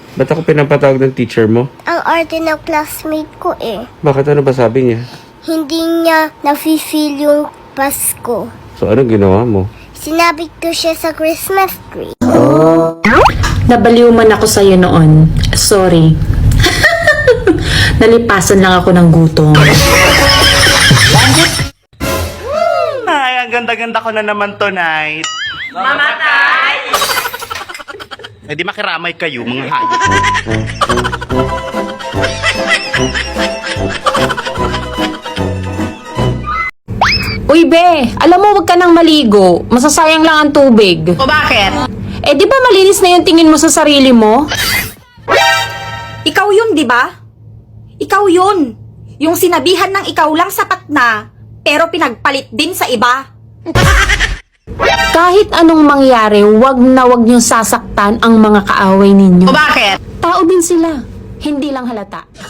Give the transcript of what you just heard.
Ba't ako pinapatawag ng teacher mo? Ang arte ng classmate ko eh. Bakit ano ba sabi niya? Hindi niya nafe-feel yung Pasko. So anong ginawa mo? Sinabit ko siya sa Christmas tree. Nabaliw man ako sa'yo noon. Sorry. Nalipasan lang ako ng gutom. Ay, ang ganda-ganda ko na naman tonight. Mamatay! Eh di makiramay kayo, mga hayop. Uy, be! Alam mo, wag ka nang maligo. Masasayang lang ang tubig. O bakit? Eh, di ba malinis na yung tingin mo sa sarili mo? Ikaw yun, di ba? Ikaw yun. Yung sinabihan ng ikaw lang sapat na, pero pinagpalit din sa iba. Kahit anong mangyari, wag na wag niyong sasaktan ang mga kaaway ninyo. O bakit? Tao din sila. Hindi lang halata.